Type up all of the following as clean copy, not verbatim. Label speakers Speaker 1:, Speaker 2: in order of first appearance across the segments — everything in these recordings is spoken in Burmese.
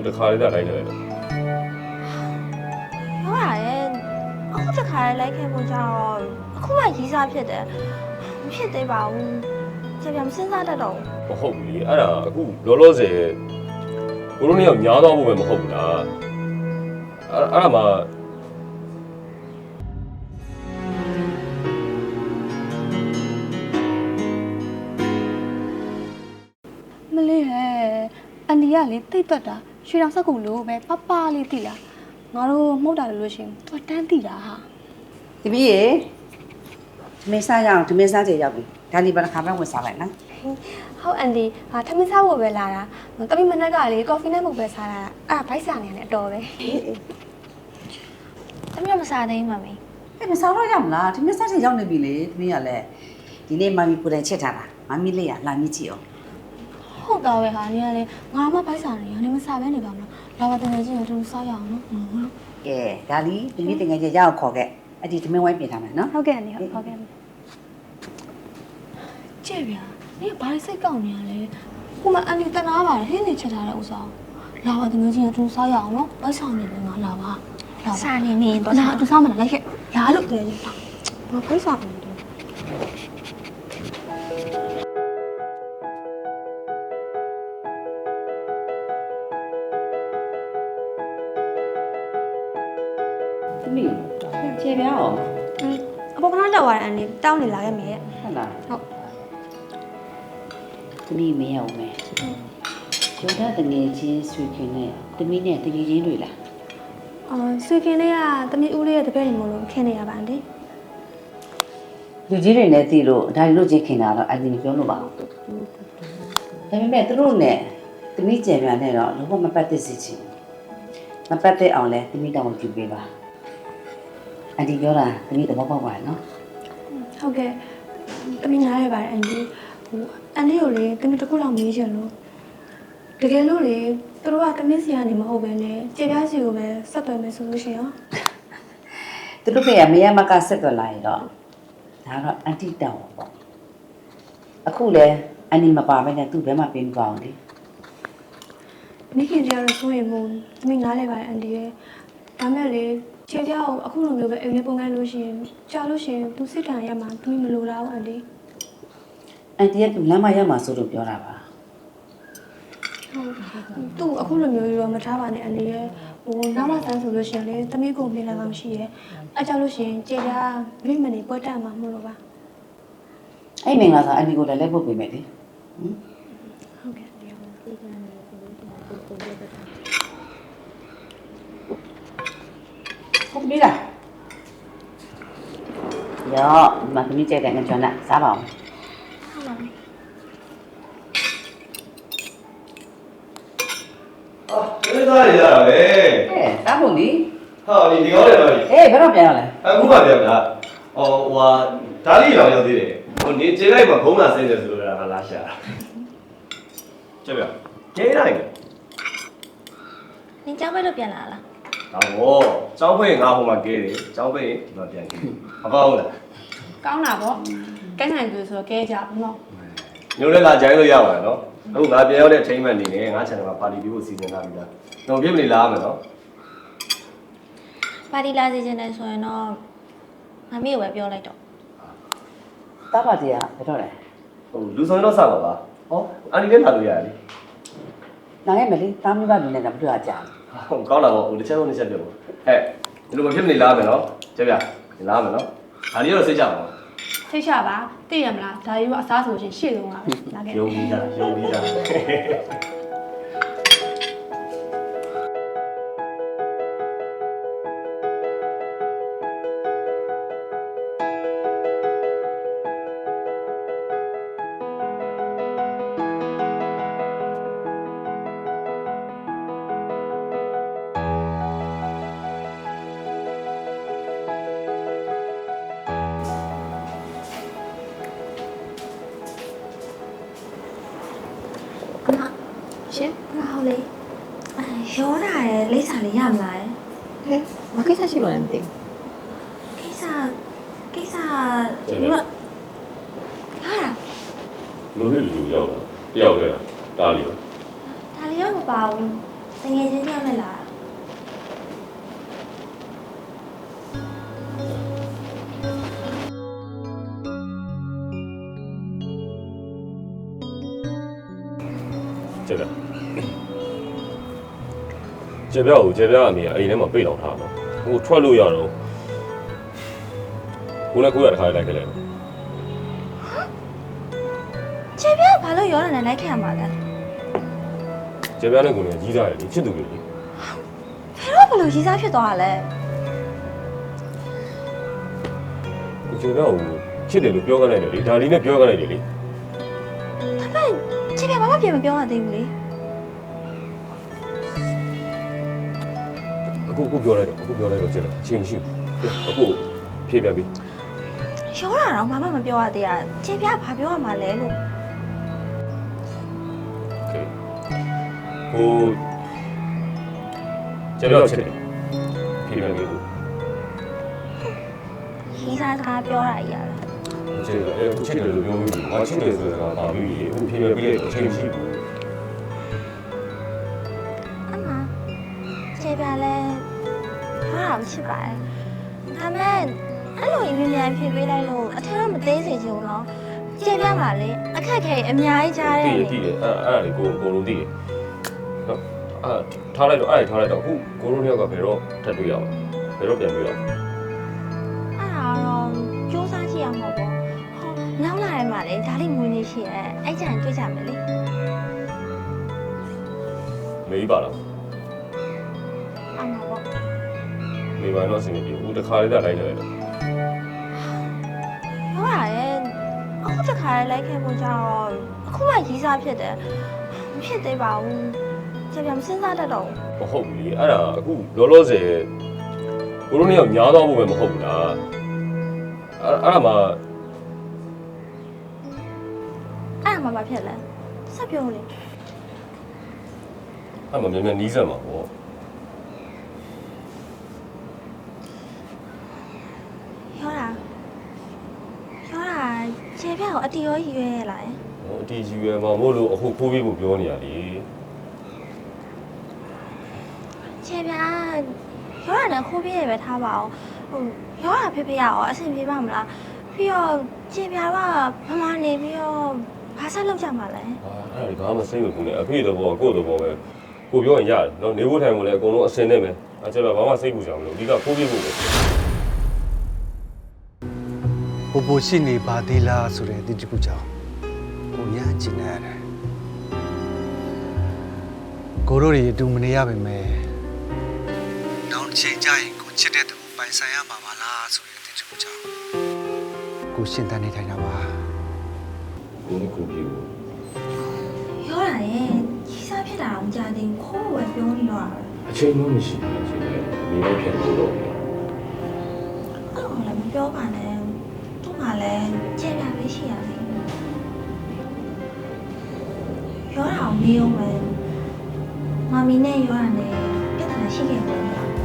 Speaker 1: တခါလေးလိုက်နေတယ်
Speaker 2: ဟုတ်ရတယ်အခုတခါလိုက်ခဲ့ဖို့ကြောင့်အခုမှရီးစားဖြစ်တယ်မဖြစ်သေးပါဘူးကြပြန်စဉ်းစားတတ်တော့
Speaker 1: မဟုတ်ဘူးလေအဲ့ဒါအခုလောလောဆယ်ကိုလိုနေရောက်ညားတော့ဖို့ပဲမဟုတ်ဘူးလားအဲ့ဒါမှ
Speaker 3: မလေးဟဲ့အန်ဒီကလေတိတ်တွက်တာရွှေတောင်စက်ကူလို့ပဲပပလေးတိလားငါတို့မှုတ်တာလို့ရှင်သူတန်းတိတာဟာ
Speaker 4: ဒီမီးရေဒီမင်းစားရအောင်ဒီမင်းစားကြရောက်ပြီဒါလီဘာတစ်ခါမှဝင်စားလိုက်နော်
Speaker 2: ဟုတ်အန်ဒီဟာထမင်းစားဖို့ပဲလာတာတမီးမနက်ကလေကော်ဖီနဲ့မဟုတ်ပဲစားတာအဲ့ဘိုက်စားနေရတယ်အတော်ပဲတမီးမစားသေးဘူးမမေ
Speaker 4: အဲ့မစားတော့ရမလားဒီမင်းစားကြရောက်နေပြီလေဒီမင်းကလည်းဒီနေ့မမီကိုယ်တိုင်ချက်ထားတာမမီလေးကလာမြစ်ကြည့်အောင်
Speaker 2: ဟုတ်တော့ပဲဟာနေရလေငါမှဘိုက်စားနေရနေမစားပဲနေပါမလားလာပါတကယ်ချင်းတို့စားရအောင်နော်
Speaker 4: ကဲဒါလီဒီနေ့တင်ငယ်ချင်းရအောင်ခေါ်ခဲ့အဲ့ဒီဒီမင်းဝိုင်းပြင်ထားမယ်နော်
Speaker 3: ဟုတ်ကဲ့အန်ဒီဟုတ်ကဲ့
Speaker 2: ကြည့်ဗျာနေဘာစိတ်ကောက်နေရလဲဟိုမှာအန်ဒီတနာပါတယ်ဟင်းနေချက်ထားတဲ့ဥစားလာပါတကယ်ချင်းတို့စားရအောင်နော်ဘိုက်စားနေတယ်ငါလာပါစားနေနေတော့လာသူစားမလားလိုက်ခဲ့လာလို့တကယ်ချင်းဘာဘိုက်စားနေတယ်
Speaker 4: ဒီမီးကျေပြအောင်
Speaker 2: အပေါ်ကလောက်သွားတဲ့အန်ဒီတောင်းနေလာခဲ့မယ်
Speaker 4: ဟုတ်လား
Speaker 2: ဟုတ်
Speaker 4: ဒီမီးမရအောင်မယ်ကျော်တဲ့ငယ်ချင်းဆွေခင်နဲ့တမီးနဲ့တကယ်ချင်းတွေလား
Speaker 2: ဆွေခင်လေးကတမီးဦးလေးရဲ့တပည့်နေမလို့ခင်နေရပါအန်ဒီ
Speaker 4: လူကြီးတွေနဲ့တည်လို့ဒါတို့ချင်းခင်တာတော့အရင်ပြောလို့ပါဒါပေမဲ့သူတို့နဲ့တမီးကြံပြန်နဲ့တော့လုံးဝမပတ်သက်စေချင်မပတ်သက်အောင်လဲတမီးတောင်းကြည့်ပေးပါအဒီပြောတာတမီးသဘောပေါက်ပါနော်
Speaker 2: ဟုတ်ကဲ့တမီးနားရပါတယ်အန်ဒီဟိုအန်ဒီကိုလေတမီးတစ်ခုလောက်မေးချင်လို့တကယ်လို့လေသူတို့ကတမီးစီကနေမဟုတ်ပဲနဲ့ကျေပြားစီကိုပဲဆက်သွယ်မယ်ဆိုလို့ရှိရင်
Speaker 4: သူတို့ကမရမကဆက်သွယ်လာရင်တော့ဒါတော့အန်တီတောင်းပေါ့အခုလဲအန်နီမပါဘဲနဲ့သူ့ဘဲမှာပြင်ပါအောင်လေ
Speaker 2: မိခင်ကြတော့ဆိုရင်မို့တမီးနားလဲပါတယ်အန်ဒီရဲ့ဒါမဲ့လေကျေပြားကိုအခုလိုမျိုးပဲအိမ်ထဲပုံကန်လို့ရှိရင်ကြာလို့ရှိရင်သူစစ်တမ်းရမှာတမီးမလိုလားဘူးအန်ဒီ
Speaker 4: အန်တီကသူလမ်းမရောက်မှာဆိုလို့ပြောတာပါ
Speaker 2: သူ့အခုလိုမျိုးရောမထားပါနဲ့အန်ဒီရဲ့ဟိုနောက်မှဆန်းဆိုလို့ရှိရင်လေတမီးကိုမြင်လာမှမရှိရဲ့အဲကြောင့်လို့ရှိရင်ကျေပြားမိမနေပွဲတက်မှာမလို့ပါ
Speaker 4: အဲ့မင်္ဂလာဆောင်အန်တီကိုလည်းလက်ပုတ်ပေးမယ်လေဟင်
Speaker 2: ဟုတ်ကဲ့
Speaker 4: ဟုတ်ပြီလားရောမသမီးကြိုက်တဲ့ငကြွန်းနဲ့စားပါအောင်
Speaker 2: ဟုတ်ပါပြီ
Speaker 1: အေးသားရရတာပဲ
Speaker 4: ဟဲ့စားဖို့လေ
Speaker 1: ဟာဒီကောင်းတယ်တော့
Speaker 4: အေးဘယ်တော့ပြန်ရလဲ
Speaker 1: အခုမှပြန်တာဟိုဒါလေးရောရောက်သေးတယ်ဟိုနေခြေလိုက်မှာဘုံလာဆင်းတယ်ဆိုလို့လာရှာကြည့်ပြကျေးလိုက်
Speaker 2: နင်ကြောက်ပဲလို့ပြန်လာလား
Speaker 1: ဟောကျောင်းဖိတ်ငါဟိုမှာကဲတယ်ကျောင်းဖိတ်ဒီမှာပြန်ကဲမကောင်းဘူးလား
Speaker 2: ကောင်းတာပေါ့ကဲနိုင်သူဆိုတော့ကဲကြပါတော့
Speaker 1: ညိုလည်းလာဂျိုင်းလို့ရပါတယ်နော်အခုငါပြန်ရောက်တဲ့ထိမ့်မှန်နေနေငါ channel မှာပါတီပြီးဖို့စီစဉ်ထားပြီလားတော့ပြည့်မနေလားမယ်နော်
Speaker 5: ပါတီလာစီခြင်းတယ်ဆိုရင်တော့မမေကိုပဲပြောလိုက်တော့
Speaker 4: တားပါတီကဘယ်တော့လဲ
Speaker 1: ဟိုလူဆောင်တော့စပါပါဟောအန်ဒီလည်းလာလို့ရတယ်လေ
Speaker 4: နိုင်ရမယ်လေတားမိဘလူနဲ့တော့မတွေ့ရကြဘူး
Speaker 1: ဟုတ်ကောင်းတာပေါ့ဟိုတစ်ချက်တော့တစ်ချက်ပြောဟဲ့ဒီလိုမဖြစ်မနေလားမယ်နော်ကြည့်ပြလာမယ်နော်ဒါလေးတော့စိတ်ကြပါဦး
Speaker 2: ထိတ်ချပါသိရမလားဒါကြီးကအစားဆိုရှင်ရှေ့ဆုံးကပဲလာခဲ့
Speaker 1: ယုံပြီးသားယုံပြီးသား
Speaker 2: ရှင်ဟုတ်လေရောတာရယ်လိမ့်စာလေးရမလား
Speaker 5: ဟဲ့မကိစ္စရှိလို့လည်းမသိဘူး
Speaker 2: ကိစ္စဒီမှာဟာ
Speaker 1: လူနဲ့လူရောက်တာတယောက်တည်းတားလီ
Speaker 2: ဒါလေးတော့မပါဘူး
Speaker 5: ငယ်ချင်းပြောင်းနေလား
Speaker 1: ကျေပြကိုကျေပြအမေကအိမ်ထဲမှာပိတ်လောင်ထားတော့ဟိုထွက်လို့ရတော့ကိုလည်းကိုရတခါလိုက်ခဲ့လိုက်
Speaker 5: ကျေပြဘာလို့ရောနေလိုက်ခဲ့ရမှာလဲ
Speaker 1: ကျေပြနဲ့ကိုလည်းကြီးစားတယ်လေချစ်သူတွေလေ
Speaker 5: ဖဲတော့ဘလို့ရေးစားဖြစ်သွားတာလဲ
Speaker 1: ကိုကျေပြကိုချစ်တယ်လို့ပြောခဲ့လိုက်တယ်လေဒါလေးနဲ့ပြောခဲ့လိုက်တယ်လေ
Speaker 5: ဒါပေမဲ့ကျေပြဘာမှပြန်မပြောရသေးဘူးလေ
Speaker 1: အခုပြောလိုက်တော့ကျေပြအချိန်မရှိဘူးအခုဖြေပြပြီ
Speaker 5: ရောတာတော့ဘာမှမပြောရသေးတာကျေပြဘာပြောရမှာလဲလို့
Speaker 1: ကိုကျေပြချစ်တယ်ဖြေပြပြီကို
Speaker 5: ရေးစားစကားပြောတာကြီးရတယ်
Speaker 1: ကျေပြချစ်တယ်လို့ပြောပြီးဘာချစ်တယ်ဆိုတာကပါပြီအခုဖြေပြပြီးတဲ့အချိန်မရှိဘူး
Speaker 5: အမကျေပြလဲဟာမချစ်ပါဘူးဒါပေမဲ့အဲ့လိုအမြင်မြန်ဖြစ်ပေးလိုက်လို့အထက်တော့မသေးစေချင်ဘူးနော်ကျေပြပါလေအခက်ခဲအများကြီးကြားတယ်
Speaker 1: တည်တယ်အဲ့ဒါလေးကိုလုံးတည်တယ်နော်ထားလိုက်တော့အခုကိုလုံးတယောက်ကဘယ်တော့ထပ်တွေ့ရအောင်ဘယ်တော့ပြန်တွေ့ရအောင်
Speaker 5: အဲ့ဒါတော့စူးစမ်းကြည့်ရမှာပေါ့ဟောနောက်လာရဲမှာလေဒါလေးငွေနေရှိရဲအဲ့ကြံတွေ့ကြမယ်လေ
Speaker 1: မေးပါလား
Speaker 5: အမှာပေါ့
Speaker 1: မေးပါတော့အဆင်ပြေဘူးတခါလေးတက်လိုက်တယ်
Speaker 5: ပြောရရဲ့အခုတခါလိုက်ခဲ့ဖို့ကြောင့်အခုမှရေးစားဖြစ်တယ်မဖြစ်သေးပါဘူးကျေပြမစဉ်းစားတတ်တော့ဘူး
Speaker 1: မဟုတ်ဘူးလေအဲ့ဒါအခုလောလောဆယ်ကိုလုံးတယောက်ညားတော့ဖို့ပဲမဟုတ်ဘူးလားအဲ့ဒါမှ
Speaker 5: အဲ့မှာမဖြစ်လဲဆက်ပြောလေ
Speaker 1: အဲ့မှမြန်နီးစက်မှာပေါ့
Speaker 5: ပြောတာကျေပြကိုအတီရောရွေးရလား
Speaker 1: ဟိုအတီယူရမှာမို့လို့အခုခိုးပြီးဖို့ပြောနေရလေ
Speaker 5: ကျေပြပြောတာနဲ့ခိုးပြည့်ရပဲထားပါအောင်ဟိုပြောတာဖေဖေရအောင်အဆင်ပြေပါမလားပြီးတော့ကျေပြကမမနေပြီးတော့ဘာဆက်လုပ်ကြမှာလဲ
Speaker 1: အဲ့ဒါဘာမှစိတ်မပူနဲ့အဖေတော့ကိုယ့်တော့ပဲကိုပြောရင်ရတယ်နော်နေဖို့ထိုင်ဖို့လည်းအကုန်လုံးအစင်နဲ့ပဲအဲ့ကျတော့ဘာမှစိတ်ပူကြမလို့အဓိကခိုးပြီးဖို့ပဲ
Speaker 6: ပိုပိုရှိနေပါသေးလားဆိုတဲ့ဒီတစ်ခုကြောင့်ကိုရမ်းချင်နေရတယ်ကိုတို့တွေအတူမနေရပါမယ်တောင်းချိန်ကြရင်ကိုချစ်တဲ့သူပိုင်ဆိုင်ရမှာပါလားဆိုတဲ့ဒီတစ်ခုကြောင့်ကိုရှင်းတန်းနေထိုင်တာပါ
Speaker 1: ကိုနဲ့ကိုပြေဘူး
Speaker 5: ပြောတာရဲ့ကြီးစားဖြစ်တာအောင်ကြားသေးဘူးခိုးဝယ်ပြောနေတော့တာပဲ
Speaker 1: အချိန်မှမရှိဘူးအချိန်လည်းမိလိုက်ပြန်လို့တော့
Speaker 5: အဲ့လိုလည်းမပြောပါနဲ့သူ့မှာလည်းကျေပြပဲရှိရလေပြောတာအောင်မေးအောင်ပဲမမီနဲ့ပြောတာနဲ့ပြဿနာရှိခဲ့တယ်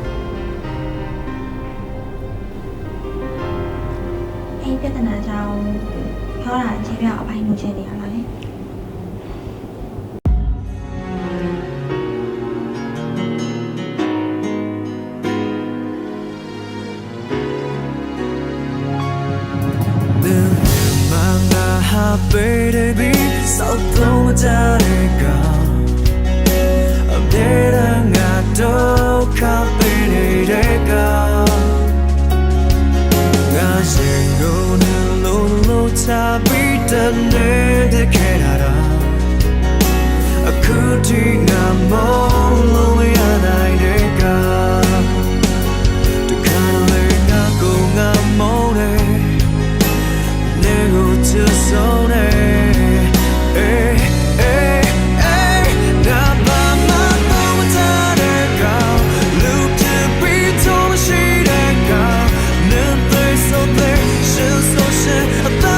Speaker 5: အဲ့ပြဿနာကြောင့်ပြောတာကျေပြအပိုင်းလို့ချက်နေရတာလေ
Speaker 7: Baby, so don't take I'm dead and I don't copy it. I say go no no tabi done the Canada. A cooting I'm all lonely and I the color not go I'm on it. Nego to sone. So there, she's so shit.